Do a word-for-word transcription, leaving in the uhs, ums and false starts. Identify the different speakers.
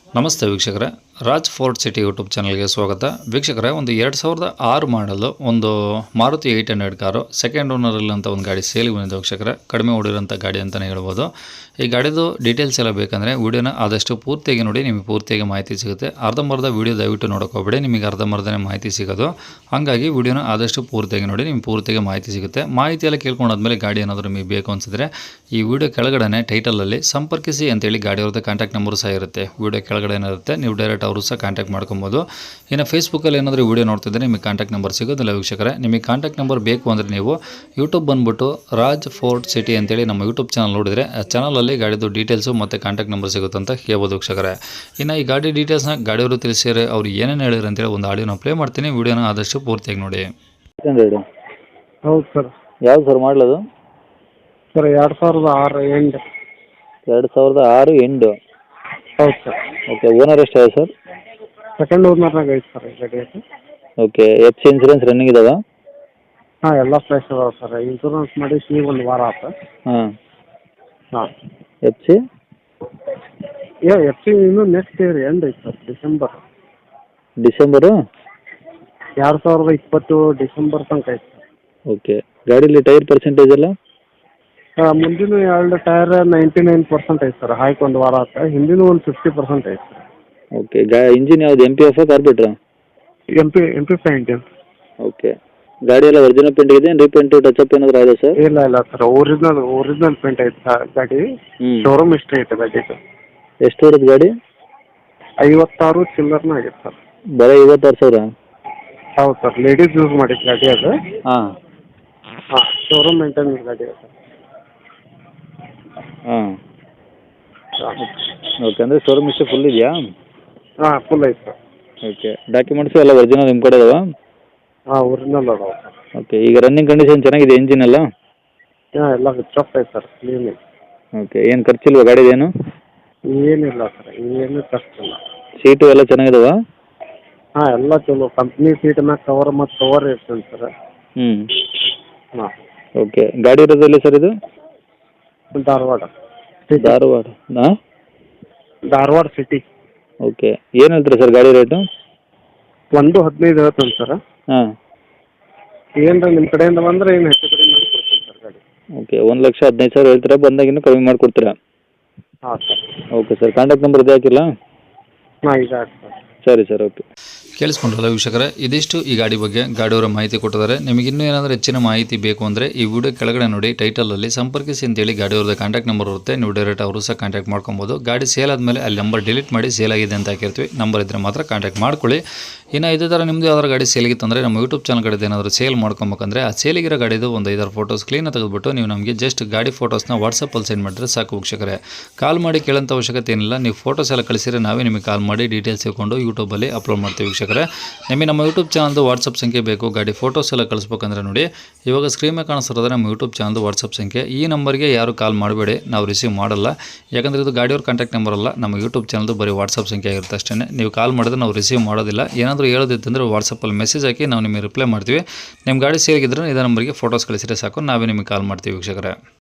Speaker 1: ನಮಸ್ತೆ ವೀಕ್ಷಕರೇ, Raj fort city YouTube ಚಾನಲ್ಗೆ ಸ್ವಾಗತ. ವೀಕ್ಷಕರೇ, ಒಂದು ಎರಡು ಸಾವಿರದ ಆರು ಮಾಡಲು ಒಂದು Maruti eight hundred car second ಓನರಲ್ಲಿ ಅಂತ ಒಂದು ಗಾಡಿ ಸೇಲಿಗೆ ಬಂದಿದೆ ವೀಕ್ಷಕರೇ. ಕಡಿಮೆ ಓಡಿರೋಂಥ ಗಾಡಿ ಅಂತಲೇ ಹೇಳ್ಬೋದು. ಈ ಗಾಡಿದು ಡೀಟೇಲ್ಸ್ ಎಲ್ಲ ಬೇಕಂದರೆ ವೀಡಿಯೋನ ಆದಷ್ಟು ಪೂರ್ತಿಯಾಗಿ ನೋಡಿ, ನಿಮಗೆ ಪೂರ್ತಿಯಾಗಿ ಮಾಹಿತಿ ಸಿಗುತ್ತೆ. ಅರ್ಧಂಬರ್ಧ ವೀಡಿಯೋ ದಯವಿಟ್ಟು ನೋಡೋಕೋಬೇಡಿ, ನಿಮಗೆ ಅರ್ಧಂಬರ್ಧನೇ ಮಾಹಿತಿ ಸಿಗೋದು. ಹಾಗಾಗಿ ವೀಡಿಯೋನ ಆದಷ್ಟು ಪೂರ್ತಿಯಾಗಿ ನೋಡಿ, ನಿಮಗೆ ಪೂರ್ತಿಯಾಗಿ ಮಾಹಿತಿ ಸಿಗುತ್ತೆ. ಮಾಹಿತಿ ಎಲ್ಲ ಕೇಳ್ಕೊಂಡಾದ್ಮೇಲೆ ಗಾಡಿ ಏನಾದರೂ ನಿಮಗೆ ಬೇಕು ಅನಿಸಿದ್ರೆ ಈ ವಿಡಿಯೋ ಕೆಳಗಡೆ ಟೈಟಲಲ್ಲಿ ಸಂಪರ್ಕಿಸಿ ಅಂತೇಳಿ ಗಾಡಿಯವ್ರದ್ದು ಕಾಂಟ್ಯಾಕ್ಟ್ ನಂಬರ್ ಸಹ ಇರುತ್ತೆ. ವಿಡಿಯೋ ಕೆಳಗಡೆ ಏನಿರುತ್ತೆ, ನೀವು ಡೈರೆಕ್ಟ್ ಅವರು ಸಹ ಕಾಂಟ್ಯಾಕ್ಟ್ ಮಾಡ್ಕೊಬೋದು. ಇನ್ನು ಫೇಸ್ಬುಕ್ಕಲ್ಲಿ ಏನಾದರೂ ವೀಡಿಯೋ ನೋಡ್ತಿದ್ರೆ ನಿಮಗೆ ಕಾಂಟ್ಯಾಕ್ಟ್ ನಂಬರ್ ಸಿಗೋದಿಲ್ಲ ವೀಕ್ಷಕರೇ. ನಿಮಗೆ ಕಾಂಟ್ಯಾಕ್ಟ್ ನಂಬರ್ ಬೇಕು ಅಂದರೆ ನೀವು ಯೂಟ್ಯೂಬ್ ಬಂದುಬಿಟ್ಟು ರಾಜ್ ಫೋರ್ಟ್ ಸಿಟಿ ಅಂತೇಳಿ ನಮ್ಮ ಯೂಟ್ಯೂಬ್ ಚಾನಲ್ ನೋಡಿದರೆ ಆ ಚಾನಲಲ್ಲಿ ಗಾಡಿದು ಡೀಟೇಲ್ಸು ಮತ್ತು ಕಾಂಟ್ಯಾಕ್ಟ್ ನಂಬರ್ ಸಿಗುತ್ತೆ ಅಂತ ಹೇಳ್ಬೋದು ವೀಕ್ಷಕರೇ. ಇನ್ನು ಈ ಗಾಡಿ ಡೀಟೇಲ್ಸ್ನ ಗಾಡಿಯವರು ತಿಳಿಸಿದರೆ ಅವ್ರು ಏನೇನು ಹೇಳಿದ್ರು ಅಂತೇಳಿ ಒಂದು ಆಡಿಯೋನ ಪ್ಲೇ ಮಾಡ್ತೀನಿ. ವೀಡಿಯೋನ ಆದಷ್ಟು ಪೂರ್ತಿಯಾಗಿ ನೋಡಿ.
Speaker 2: ಹೌದು ಸರ್.
Speaker 1: ಯಾವ್ದು ಸರ್ ಮಾಡಲದು?
Speaker 2: ಸರ್ ಎರಡು ಸಾವಿರದ ಆರು ಎಂಡ್.
Speaker 1: ಎರಡು ಸಾವಿರದ ಆರು ಎಂಡು.
Speaker 2: ಹೌದು ಸರ್.
Speaker 1: ಓಕೆ, ಓನರ್ ಎಷ್ಟಾಗಿದೆ ಸರ್?
Speaker 2: ಸೆಕೆಂಡ್ ಓನರ್ನಾಗ ಐತೆ ಸರ್ ಈ ಗಾಡಿ.
Speaker 1: Okay, F C insurance running ಇದಾವ?
Speaker 2: ಹಾಂ, ಎಲ್ಲ ಫ್ರೆಶ್ ಅದಾವೆ ಸರ್. ಇನ್ಶೂರೆನ್ಸ್ ಮಾಡಿ ಈಗ ಒಂದು ವಾರ ಆಯ್ತು.
Speaker 1: ಹಾಂ
Speaker 2: ಹಾಂ.
Speaker 1: ಎಫ್ ಸಿ
Speaker 2: ಏ ಎಫ್ ಸಿ ಇನ್ನೂ ನೆಕ್ಸ್ಟ್ ಇಯರ್ ಎಂಡ್ ಐತೆ ಸರ್, ಡಿಸೆಂಬರ್.
Speaker 1: ಡಿಸೆಂಬರು
Speaker 2: ಎರಡು ಸಾವಿರದ ಇಪ್ಪತ್ತು ಡಿಸೆಂಬರ್ ತನಕ ಐತೆ ಸರ್.
Speaker 1: ಓಕೆ, ಗಾಡೀಲಿ ಟೈರ್ ಪರ್ಸೆಂಟೇಜ್ ಎಲ್ಲ?
Speaker 2: ಮುಂದಿನ ಎರಡು ಟೈರ್ ನೈಂಟಿ ನೈನ್ ಪರ್ಸೆಂಟ್ ಐತೆ ಸರ್. ಹಾಕಿ ಒಂದು ವಾರ ಆಯ್ತು. ಹಿಂದಿನ ಒಂದು ಫಿಫ್ಟಿ ಪರ್ಸೆಂಟ್ ಐತೆ ಸರ್.
Speaker 1: ಓಕೆ, ಗಾ ಇಂಜಿನ್ ಯಾವ್ದು, ಎಮ್ ಪಿ ಎಫ್ ಕಾರ್ಪೆಟ್ರಾ?
Speaker 2: M P M P five engine.
Speaker 1: Okay, ಗಾಡಿ ಎಲ್ಲ ಒರಿಜಿನಲ್ ಪೇಂಟ್ ಇದೆ, ರೀಪೇಂಟು ಟಚಪ್ ಏನಾದರೂ ಆಗಿದೆ ಸರ್?
Speaker 2: ಇಲ್ಲ ಇಲ್ಲ ಸರ್, ಒರಿಜಿನಲ್ ಒರಿಜಿನಲ್ ಪೇಂಟ್ ಐತೆ ಸರ್ ಗಾಡಿ.
Speaker 1: ಹ್ಞೂ,
Speaker 2: ಶೋರೂಮ್ ಹಿಸ್ಟ್ರಿ ಐತೆ ಗಾಡಿದು.
Speaker 1: ಎಷ್ಟು ಬರುತ್ತೆ ಗಾಡಿ?
Speaker 2: ಐವತ್ತಾರು ಚಿಲ್ಲರ್ನ ಆಗೈತೆ ಸರ್.
Speaker 1: ಬರೀ ಐವತ್ತಾರು ಸಾವಿರ?
Speaker 2: ಹೌದು ಸರ್, ಲೇಡೀಸ್ ಯೂಸ್ ಮಾಡಿದ್ದು ಗಾಡಿ ಅದು.
Speaker 1: ಹಾಂ
Speaker 2: ಹಾಂ, ಶೋರೂಮ್ ಮೇಂಟೆನೆನ್ಸ್ ಗಾಡಿ ಅದು.
Speaker 1: ಹಾಂ
Speaker 2: ಹಾಂ.
Speaker 1: ಓಕೆ, ಅಂದರೆ ಶೋರೂಮ್ ಇಷ್ಟು ಫುಲ್ ಇದೆಯಾ?
Speaker 2: ಹಾಂ, ಫುಲ್ ಐತೆ ಸರ್.
Speaker 1: ಓಕೆ, ಡಾಕ್ಯುಮೆಂಟ್ಸು ಎಲ್ಲ ಒರಿಜಿನಲ್ ನಿಮ್ಮ ಕಡೆ ಇದಾವಾ?
Speaker 2: ಹಾಂ, ಒರಿಜಿನಲ್ ಅದಾವೆ ಸರ್.
Speaker 1: ಓಕೆ, ಈಗ ರನ್ನಿಂಗ್ ಕಂಡೀಷನ್ ಚೆನ್ನಾಗಿದೆ ಇಂಜಿನ್ ಎಲ್ಲ?
Speaker 2: ಹಾಂ, ಎಲ್ಲ ಚೊಕ್ ಐತೆ ಸರ್, ಕ್ಲೀನ್ ಐತೆ.
Speaker 1: ಓಕೆ, ಏನು ಖರ್ಚಿಲ್ವಾ ಗಾಡಿದೇನು?
Speaker 2: ಏನಿಲ್ಲ ಸರ್, ಏನು ಖರ್ಚಿಲ್ಲ.
Speaker 1: ಸೀಟು ಎಲ್ಲ ಚೆನ್ನಾಗಿದಾವಾ?
Speaker 2: ಹಾಂ, ಎಲ್ಲ ಚಲೋ. ಕಂಪ್ನಿ ಸೀಟ್ ಮ್ಯಾಗ ಕವರ್ ಮತ್ತು ಕವರ್ ಇರ್ತದೆ ಸರ್.
Speaker 1: ಹ್ಞೂ.
Speaker 2: ಹಾಂ.
Speaker 1: ಓಕೆ, ಗಾಡಿ ಇರೋದಲ್ಲಿ ಸರ್ ಇದು?
Speaker 2: ಧಾರವಾಡ.
Speaker 1: ಧಾರವಾಡ ಹಾಂ,
Speaker 2: ಧಾರವಾಡ ಸಿಟಿ.
Speaker 1: ಓಕೆ, ಏನು ಹೇಳ್ತೀರಾ ಸರ್ ಗಾಡಿ ರೇಟು?
Speaker 2: ಒಂದು ಹದಿನೈದು ಹೇಳ್ತಾನೆ ಸರ್.
Speaker 1: ಹಾಂ.
Speaker 2: ಏನ್ರ ನಿಮ್ಮ ಕಡೆಯಿಂದ ಬಂದರೆ ಏನು ಹೆಚ್ಚು ಕಡಿಮೆ ಮಾಡಿ ಕೊಡ್ತೀನಿ ಸರ್ ಗಾಡಿ.
Speaker 1: ಓಕೆ, ಒಂದು ಲಕ್ಷ ಹದಿನೈದು ಸಾವಿರ ಹೇಳ್ತೀರಾ, ಬಂದಾಗ ಇನ್ನೂ ಕಡಿಮೆ ಮಾಡಿಕೊಡ್ತೀರಾ?
Speaker 2: ಹಾಂ sir.
Speaker 1: Okay sir, contact number ಇದೆ ಹಾಕಿಲ್ಲ?
Speaker 2: ಹಾಂ, ಇದೆ ಹಾಕಿ ಸರ್.
Speaker 1: ಸರಿ ಸರ್, ಓಕೆ. ಕೇಳಿಸ್ಕೊಂಡ್ರಲ್ಲ ವೀಕ್ಷಕರೇ, ಇದಿಷ್ಟು ಈ ಗಾಡಿ ಬಗ್ಗೆ ಗಾಡಿಯವರ ಮಾಹಿತಿ ಕೊಟ್ಟಿದ್ದಾರೆ. ನಿಮಗೆ ಇನ್ನೂ ಏನಾದರೂ ಹೆಚ್ಚಿನ ಮಾಹಿತಿ ಬೇಕು ಅಂದರೆ ಈ ವಿಡಿಯೋ ಕೆಳಗಡೆ ನೋಡಿ, ಟೈಟಲಲ್ಲಿ ಸಂಪರ್ಕಿಸಿ ಅಂತೇಳಿ ಗಾಡಿಯವ್ರದ್ದು ಕಾಂಟ್ಯಾಕ್ಟ್ ನಂಬರ್ ಇರುತ್ತೆ. ನೀವು ಡೈರೆಕ್ಟ್ ಅವರು ಸಹ ಕಾಂಟ್ಯಾಕ್ಟ್ ಮಾಡ್ಕೊಬೋದು. ಗಾಡಿ ಸೇಲ್ ಆದಮೇಲೆ ಅಲ್ಲಿ ನಂಬರ್ ಡಿಲೀಟ್ ಮಾಡಿ ಸೇಲ್ ಆಗಿದೆ ಅಂತ ಹಾಕಿರ್ತೀವಿ. ನಂಬರ್ ಇದ್ದರೆ ಮಾತ್ರ ಕಾಂಟ್ಯಾಕ್ಟ್ ಮಾಡ್ಕೊಳ್ಳಿ. ಇನ್ನು ಇದೇ ಥರ ನಿಮ್ಮದು ಯಾವ್ದಾರು ಗಾಡಿ ಸೇಲಿಗಿತ್ತಂದರೆ ನಮ್ಮ ಯೂಟ್ಯೂಬ್ ಚಾನಲ್ ಕಡೆ ಏನಾದರೂ ಸೇಲ್ ಮಾಡ್ಕೊಬೇಕಂದ್ರೆ ಆ ಸೇಲಿಗಿರೋ ಗಾಡಿದು ಒಂದು ಐದಾರು ಫೋಟೋಸ್ ಕ್ಲೀನಾಗಿ ತೆಗೆದುಬಿಟ್ಟು ನೀವು ನಮಗೆ ಜಸ್ಟ್ ಗಾಡಿ ಫೋಟೋಸ್ನ ವಾಟ್ಸಪ್ಪಲ್ಲಿ ಸೆಂಡ್ ಮಾಡಿದ್ರೆ ಸಾಕು ವೀಕ್ಷಕರೇ. ಕಾಲ್ ಮಾಡಿ ಕೇಳೋಂಥ ಅವಶ್ಯಕತೆ ಏನಿಲ್ಲ. ನೀವು ಫೋಟೋಸ್ ಎಲ್ಲ ಕಳಿಸಿದ್ರೆ ನಾವೇ ನಿಮಗೆ ಕಾಲ್ ಮಾಡಿ ಡೀಟೇಲ್ಸ್ ಇಟ್ಕೊಂಡು ಯೂಟ್ಯೂಬಲ್ಲಿ ಅಪ್ಲೋಡ್ ಮಾಡ್ತೀವಿ ವೀಕ್ಷಕರೇ. ನಿಮಗೆ ನಮ್ಮ ಯೂಟ್ಯೂಬ್ ಚಾನಲ್ದು ವಾಟ್ಸಪ್ ಸಂಖ್ಯೆ ಬೇಕು, ಗಾಡಿ ಫೋಟೋಸ್ ಎಲ್ಲ ಕಳಿಸ್ಬೇಕಂದ್ರೆ ನೋಡಿ, ಇವಾಗ ಸ್ಕ್ರೀನ್ ಮೇಲೆ ಕಾಣಿಸ್ತಿರೋದ್ರೆ ನಮ್ಮ ಯೂಟ್ಯೂಬ್ ಚಾನಲ್ದು ವಾಟ್ಸಪ್ ಸಂಖ್ಯೆ. ಈ ನಂಬರ್ಗೆ ಯಾರು ಕಾಲ್ ಮಾಡಬೇಡಿ, ನಾವು ರಿಸೀವ್ ಮಾಡಲ್ಲ. ಯಾಕಂದರೆ ಇದು ಗಾಡಿಯವ್ರ ಕಾಂಟ್ಯಾಕ್ಟ್ ನಂಬರ್ ಅಲ್ಲ, ನಮ್ಮ ಯೂಟ್ಯೂಬ್ ಚಾನಲ್ದು ಬರೀ ವಾಟ್ಸಪ್ ಸಂಖ್ಯೆ ಆಗಿರುತ್ತೆ ಅಷ್ಟೇ. ನೀವು ಕಾಲ್ ಮಾಡಿದ್ರೆ ನಾವು ರಿಸೀವ್ ಮಾಡೋದಿಲ್ಲ. ಏನಾದರೂ ಹೇಳೋದಿತ್ತಂದರೆ ವಾಟ್ಸಪ್ಪಲ್ಲಿ ಮೆಸೇಜ್ ಹಾಕಿ ನಾವು ನಿಮಗೆ ರಿಪ್ಲೈ ಮಾಡ್ತೀವಿ. ನಿಮ್ಮ ಗಾಡಿ ಸೇರಿಗಿದ್ರೆ ಇದೇ ನಂಬರ್ಗೆ ಫೋಟೋಸ್ ಕಳಿಸಿದ್ರೆ ಸಾಕು, ನಾವೇ ನಿಮಗೆ ಕಾಲ್ ಮಾಡ್ತೀವಿ ವೀಕ್ಷಕರೇ.